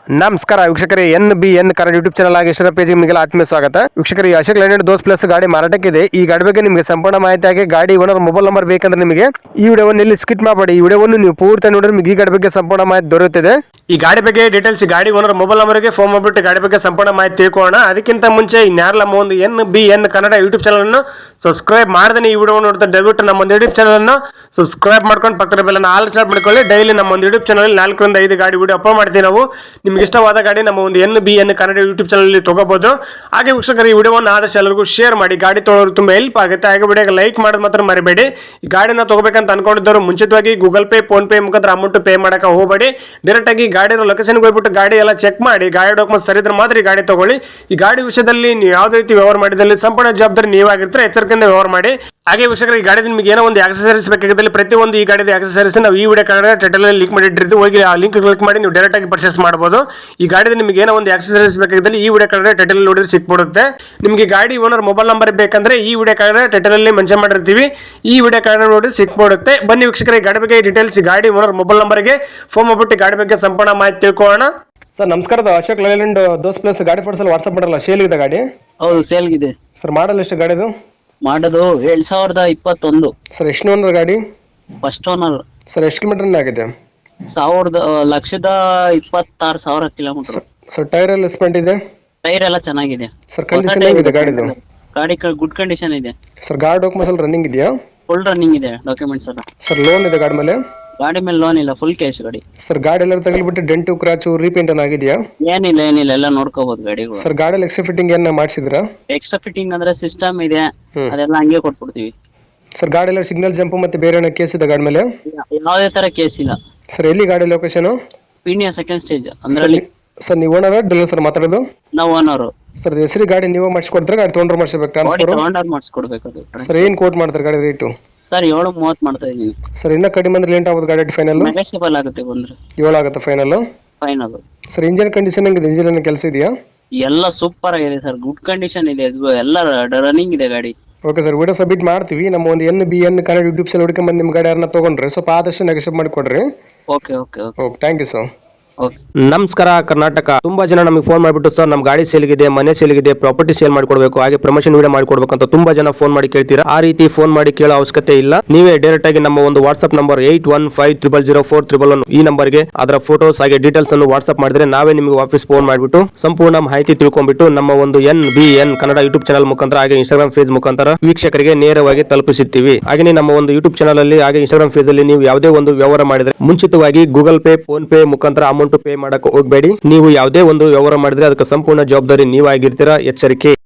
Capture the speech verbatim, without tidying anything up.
ನಮಸ್ಕಾರ ವೀಕ್ಷಕರೇ, N B N Kannada YouTube channel ಆಗಿ ಇಷ್ಟರ ಪೇಜ್ ನಿಮಗೆ ಆತ್ಮೀಯ ಸ್ವಾಗತ. ವೀಕ್ಷಕರೇ, ಅಶೋಕ್ ಲೈಲ್ಯಾಂಡ್ ದೋಸ್ ಪ್ಲಸ್ ಗಾಡಿ ಮಾರಾಟಕ್ಕಿದೆ. ಈ ಗಾಡಿ ಬಗ್ಗೆ ನಿಮಗೆ ಸಂಪೂರ್ಣ ಮಾಹಿತಿ ಆಗಿ ಗಾಡಿ ಓನರ್ ಮೊಬೈಲ್ ನಂಬರ್ ಬೇಕಂದ್ರೆ ನಿಮಗೆ ಈ ವಿಡಿಯೋವನ್ನು ಇಲ್ಲಿ ಸ್ಕಿಪ್ ಮಾಡಬೇಡಿ. ಈ ವಿಡಿಯೋವನ್ನು ನೀವು ಪೂರ್ತಿ ನೋಡಿದ್ರೆ ನಿಮಗೆ ಈ ಗಾಡಿ ಬಗ್ಗೆ ಸಂಪೂರ್ಣ ಮಾಹಿತಿ ದೊರೆಯುತ್ತದೆ. ಈ ಗಾಡಿ ಬಗ್ಗೆ ಡೀಟೇಲ್ಸ್ ಗಾಡಿ ಓನರ್ ಮೊಬೈಲ್ ನಂಬರ್ಗೆ ಫೋನ್ ಮಾಡಿಬಿಟ್ಟು ಗಾಡಿ ಬಗ್ಗೆ ಸಂಪೂರ್ಣ ಮಾಹಿತಿ ತಿಳ್ಕೊಳ್ಳೋಣ. ಅದಕ್ಕಿಂತ ಮುಂಚೆ ಇನ್ಯಾರಲ್ಲ ನಮ್ಮ ಒಂದು N B N Kannada YouTube channel ಅನ್ನು ಸಬ್ಸ್ಕ್ರೈಬ್ ಮಾಡದೇ ಈ ವಿಡಿಯೋ ನೋಡ್ತಾ ದಯವಿಟ್ಟು ನಮ್ಮ ಒಂದು ಯೂಟ್ಯೂಬ್ ಚಾನಲ್ ಅನ್ನು ಸಬ್ಸ್ಕ್ರೈಬ್ ಮಾಡ್ಕೊಂಡು ಪಕ್ಕದ ಬೆಲ್ ಅನ್ನು ಆಲ್ ಸ್ಟಾರ್ಟ್ ಮಾಡ್ಕೊಳ್ಳಿ. ಡೈಲಿ ನಮ್ಮ ಒಂದು ಯೂಟ್ಯೂಬ್ ಚಾನಲ್ ನಾಲ್ಕರಿಂದ ಐದು ಗಾಡಿ ವಿಡಿಯೋ ಅಪ್ಲೋಡ್ ಮಾಡ್ತೀವಿ ನಾವು. ನಿಮ್ಗೆ ಇಷ್ಟವಾದ ಗಾಡಿ ನಮ್ಮ ಒಂದು N B N Kannada YouTube channel ತಗೋಬಹುದು. ಹಾಗೆ ವೀಕ್ಷಕರು, ಈ ವಿಡಿಯೋವನ್ನು ಆದಷ್ಟು ಎಲ್ಲರಿಗೂ ಶೇರ್ ಮಾಡಿ. ಗಾಡಿ ತೊಗೊಳ್ಳೋರು ತುಂಬಾ ಹೆಲ್ಪ್ ಆಗುತ್ತೆ. ಹಾಗೆ ವಿಡಿಯೋಗೆ ಲೈಕ್ ಮಾಡೋದು ಮಾತ್ರ ಮರಿಬೇಡಿ. ಈ ಗಾಡಿನ ತಗೋಬೇಕಂತ ಅನ್ಕೊಂಡಿದ್ದವರು ಮುಂಚಿತವಾಗಿ ಗೂಗಲ್ ಪೇ ಫೋನ್ ಪೇ ಮುಖಾಂತರ ಅಮೌಂಟ್ ಪೇ ಮಾಡಕ್ಕೆ ಹೋಗಬೇಡಿ. ಡೈರೆಕ್ಟ್ ಆಗಿ ಗಾಡಿನ ಲೊಕೇಶನ್ಗೆ ಹೋಗ್ಬಿಟ್ಟು ಗಾಡಿ ಎಲ್ಲ ಚೆಕ್ ಮಾಡಿ, ಗಾಡಿ ಡಾಕ್ಯುಮೆಂಟ್ ಸರಿ ಇದ್ರೆ ಮಾತ್ರ ಈ ಗಾಡಿ ತಗೊಳ್ಳಿ. ಈ ಗಾಡಿ ವಿಷಯದಲ್ಲಿ ನೀವು ಯಾವುದೇ ರೀತಿ ವ್ಯವಹಾರ ಮಾಡಿದಲ್ಲಿ ಸಂಪೂರ್ಣ ಜವಾಬ್ದಾರಿ ನೀವಾಗಿರ್ತಾರೆ. ಎಚ್ಚರಿಕೆಯಿಂದ ವ್ಯವಹಾರ ಮಾಡಿ. ಹಾಗೆ ವೀಕ್ಷಕರು, ಈ ಗಾಡಿ ನಿಮಗೆ ಏನೋ ಒಂದು ಆಕ್ಸೆಸರೀಸ್ ಬೇಕಾಗಿದ್ದಲ್ಲಿ ಪ್ರತಿಯೊಂದು ಈ ಗಾಡಿದ ಆಕ್ಸೆಸರೀಸ್ ನಾವು ಈ ವಿಡಿಯೋ ಕನ್ನಡ ಟೈಟಲ್ ಅಲ್ಲಿ ಲಿಂಕ್ ಮಾಡಿಟ್ಟಿರ್ತೀವಿ. ಹೋಗಿ ಆ ಲಿಂಕ್ ಕ್ಲಿಕ್ ಮಾಡಿ ನೀವು ಡೈರೆಕ್ಟ್ ಆಗಿ ಪರ್ಚೇಸ್ ಮಾಡಬಹುದು. ಈ ಗಾಡಿದ ನಿಮಗೆ ಏನೋ ಒಂದು ಆಕ್ಸೆಸರೀಸ್ ಬೇಕಾಗಿದ್ದಲ್ಲಿ ಈ ವಿಡಿಯೋ ಕನ್ನಡ ಟೈಟಲ್ ನೋಡಿದ್ರೆ ಸಿಕ್ಬಿಡುತ್ತೆ. ನಿಮಗೆ ಗಾಡಿ ಓನರ್ ಮೊಬೈಲ್ ನಂಬರ್ ಬೇಕಂದ್ರೆ ಈ ವಿಡಿಯೋ ಕನ್ನಡ ಟೈಟಲ್ ಅಲ್ಲಿ ಮೆನ್ಷನ್ ಮಾಡಿರ್ತೀವಿ. ಈ ವಿಡಿಯೋ ಕನ್ನಡ ನೋಡಿ ಸಿಕ್ಬಿಡುತ್ತೆ. ಬನ್ನಿ ವೀಕ್ಷಕರೇ, ಗಾಡಿ ಬಗ್ಗೆ ಡೀಟೇಲ್ಸ್ ಗಾಡಿ ಓನರ್ ಮೊಬೈಲ್ ನಂಬರ್ಗೆ ಫೋನ್ ಮಾಡ್ಬಿಟ್ಟು ಗಾಡಿ ಬಗ್ಗೆ ಸಂಪೂರ್ಣ ಮಾಹಿತಿ ತಿಳ್ಕೊಳ್ಳೋಣ. ಸರ್ ನಮಸ್ಕಾರ, ಅಶೋಕ್ ಲೈಲ್ಯಾಂಡ್ ದೋಸ್ ಪ್ಲಸ್ ಗಾಡಿ ಫೋಟೋಸ್ ಅಲ್ಲಿ ವಾಟ್ಸ್ಆಪ್ ಮಾಡಲ್ಲ, ಸೇಲ್ ಇದೆ ಗಾಡಿ? ಹೌದು, ಸೇಲ್ಗಿದೆ ಸರ್. ಮಾಡಲ್ ಎಷ್ಟು ಗಾಡಿದು? ಮಾಡೋದು ಎರಡ್ ಸಾವಿರದ ಇಪ್ಪತ್ತೊಂದು. ಸರ್ ಎಷ್ಟು ಓನರ್ ಗಾಡಿ? First owner. ಸರ್ ಎಷ್ಟು ಕಿಲೋಮೀಟರ್ ಆಗಿದೆ? ಸಾವಿರದ ಲಕ್ಷದ ಇಪ್ಪತ್ತಾರು ಸಾವಿರ ಕಿಲೋಮೀಟರ್. ಸರ್ ಟೈರ್ ಎಲ್ಲ ಸ್ಪೆಂಟ್ ಇದೆ? ಟೈರ್ ಎಲ್ಲ ಚೆನ್ನಾಗಿದೆ ಸರ್. ಕಂಡೀಷನ್ ಹೇಗಿದೆ ಗಾಡಿದು? ಗಾಡಿ ಗುಡ್ ಕಂಡೀಷನ್ ಇದೆ ಸರ್. ಗಾಡಿ ಡಾಕ್ಯುಮೆಂಟ್ಸ್ ಎಲ್ಲ ರನ್ನಿಂಗ್ ಇದೆಯಾ? ಫುಲ್ ರನ್ನಿಂಗ್ ಇದೆ ಡಾಕ್ಯುಮೆಂಟ್ಸ್ ಎಲ್ಲ. ಸರ್ ಲೋನ್ ಇದೆ ಗಾಡಿ ಮೇಲೆ? ಗಾಡಿ ಮೇಲೆ ಲೋನ್ ಇಲ್ಲ, ಫುಲ್ ಕ್ಯಾಶ್ ಗಾಡಿ. ಸರ್ ಗಾಡಿ ಎಲ್ಲ ತಗಲಿಬಿಟ್ಟು ಡೆಂಟು ಕ್ರಾಚು ರೀಪೇಂಟ್ ಏನ್ ಆಗಿದೆಯಾ? ಏನಿಲ್ಲ ಏನಿಲ್ಲ, ಎಲ್ಲ ನೋಡ್ಕೋಬಹುದು ಗಾಡಿಗಳು. ಸರ್ ಗಾಡಿಯಲ್ಲಿ ಎಕ್ಸ್ಟ್ರಾ ಫಿಟ್ಟಿಂಗ್ ಏನ ಮಾಡಿಸಿದ್ರಾ? ಎಕ್ಸ್ಟ್ರಾ ಫಿಟ್ಟಿಂಗ್ ಅಂದ್ರೆ ಸಿಸ್ಟಮ್ ಇದೆ, ಅದೆಲ್ಲ ಹಂಗೆ ಕೊಟ್ಬಿಡ್ತೀವಿ. ಸರ್ ಗಾಡಿ ಎಲ್ಲ ಸಿಗ್ನಲ್ ಜಂಪ್ ಮತ್ತೆ ಬೇರೆ ಏನೋ ಕೇಸ್ ಇದೆ ಗಾಡಿ ಮೇಲೆ? ಯಾವುದೇ ತರ ಕೇಸ್ ಇಲ್ಲ. ಸರ್ ಎಲ್ಲಿ ಗಾಡಿ ಲೊಕೇಶನ್? ಪೀಣ್ಯ ಸೆಕೆಂಡ್ ಸ್ಟೇಜ್ ಅಂದ್ರೆ. ಸರ್ ನೀವು ಓನರ್ ಡೀಲರ್ ಸರ್ ಮಾತಾಡೋದು? ನಾವು ಓನರ್. ಸರ್ ಹೆಸರು ಗಾಡಿ ನೀವು ಮಾಡಿಸ್ಕೊಡ್ತಾರೆ, ಗಾಡಿ ತೊಗೊಂಡ್ರೆ ಮಾಡಿಸ್ಬೇಕು ಟ್ರಾನ್ಸ್ಫರ್? ತೊಗೊಂಡಾಗ ಮಾಡಿಸ್ಕೊಡ್ಬೇಕು. ಸರ್ ಏನ್ ಕೋಟ್ ಮಾಡ್ತಾರೆ ಗಾಡಿ ರೇಟು? ಸರ್ ಏಳು ಮೂವತ್ತು ಮಾಡ್ತಾ ಇದೀವಿ. ಸರ್ ಇನ್ನ ಕಡಿಮೆ ಅಂದ್ರೆ ಲೇಟ್ ಆಗೋದು ಗಾಡಿ ಫೈನಲ್? ನೆಗೋಷಿಯಬಲ್ ಆಗುತ್ತೆ ಬಂದ್ರೆ. ಏಳು ಆಗುತ್ತೆ final? Final. Sir engine condition ಹೆಂಗಿದೆ? ಇಂಜಿನ್ ಕೆಲಸ ಇದೆಯಾ? ಎಲ್ಲ ಸೂಪರ್ ಆಗಿದೆ ಸರ್, ಗುಡ್ ಕಂಡೀಷನ್ ಇದೆ, ಎಲ್ಲ ರನ್ನಿಂಗ್ ಇದೆ ಗಾಡಿ. ಓಕೆ ಸರ್, ವಿಡಿಯೋ ಸಬ್ಮಿಟ್ ಮಾಡ್ತೀವಿ. ನಮ್ಮ ಒಂದು N B N Kannada YouTube channel ಹುಡುಕಿ ಬಂದು ನಿಮ್ಮ ಗಾಡಿ ಯಾರನ್ನ ತೊಗೊಂಡ್ರೆ ಸ್ವಲ್ಪ ಆದಷ್ಟು ನೆಗೋಷಿಯೇಟ್ ಮಾಡಿ ಕೊಡ್ರಿ. Okay okay okay okay, thank you sir. ನಮಸ್ಕಾರ ಕರ್ನಾಟಕ. ತುಂಬಾ ಜನ ನಮಗೆ ಫೋನ್ ಮಾಡಿಬಿಟ್ಟು ಸರ್ ನಮ್ಮ ಗಾಡಿ ಸೇಲ್ಗಿದೆ, ಮನೆ ಸೇಲ್ಗಿದೆ, ಪ್ರಾಪರ್ಟಿ ಸೇಲ್ ಮಾಡ್ಕೊಡ್ಬೇಕು, ಹಾಗೆ ಪ್ರಮೋಷನ್ ವಿಡಿಯೋ ಮಾಡ್ಕೊಡ್ಬೇಕು ಅಂತ ತುಂಬಾ ಜನ ಫೋನ್ ಮಾಡಿ ಕೇಳ್ತೀರಾ. ಆ ರೀತಿ ಫೋನ್ ಮಾಡಿ ಕೇಳೋ ಅವಶ್ಯಕತೆ ಇಲ್ಲ. ನೀವೇ ಡೈರೆಕ್ಟ್ ಆಗಿ ನಮ್ಮ ಒಂದು WhatsApp number eight one five triple zero four triple one ಈ ನಂಬರ್ಗೆ ಅದರ ಫೋಟೋಸ್ ಹಾಗೆ ಡೀಟೇಲ್ಸ್ ಅನ್ನು ವಾಟ್ಸ್ಆಪ್ ಮಾಡಿದ್ರೆ ನಾವೇ ನಿಮಗೆ ವಾಪಸ್ ಫೋನ್ ಮಾಡಿಬಿಟ್ಟು ಸಂಪೂರ್ಣ ಮಾಹಿತಿ ತಿಳ್ಕೊಂಡ್ಬಿಟ್ಟು ನಮ್ಮ ಒಂದು N B N Kannada YouTube channel ಮುಖಾಂತರ ಹಾಗೆ ಇನ್ಸ್ಟಾಗ್ರಾಮ್ ಪೇಜ್ ಮುಖಾಂತರ ವೀಕ್ಷಕರಿಗೆ ನೇರವಾಗಿ ತಲುಪಿಸುತ್ತೀವಿ. ಹಾಗೆ ನಮ್ಮ ಒಂದು ಯೂಟ್ಯೂಬ್ ಚಾನಲ್ ಅಲ್ಲಿ ಹಾಗೆ ಇನ್ಸ್ಟಾಗ್ರಾಮ್ ಪೇಜ್ ಅಲ್ಲಿ ನೀವು ಯಾವುದೇ ಒಂದು ವ್ಯವಹಾರ ಮಾಡಿದ್ರೆ ಮುಂಚಿತವಾಗಿ ಗೂಗಲ್ ಪೇ ಫೋನ್ ಪೇ ಮುಖಾಂತರ ಅಮೌಂಟ್ ಪೇ ಮಾಡಕ್ಕೆ ಹೋಗಬೇಡಿ. ನೀವು ಯಾವುದೇ ಒಂದು ವ್ಯವಹಾರ ಮಾಡಿದ್ರೆ ಅದಕ್ಕೆ ಸಂಪೂರ್ಣ ಜವಾಬ್ದಾರಿ ನೀವಾಗಿರ್ತೀರಾ. ಎಚ್ಚರಿಕೆ.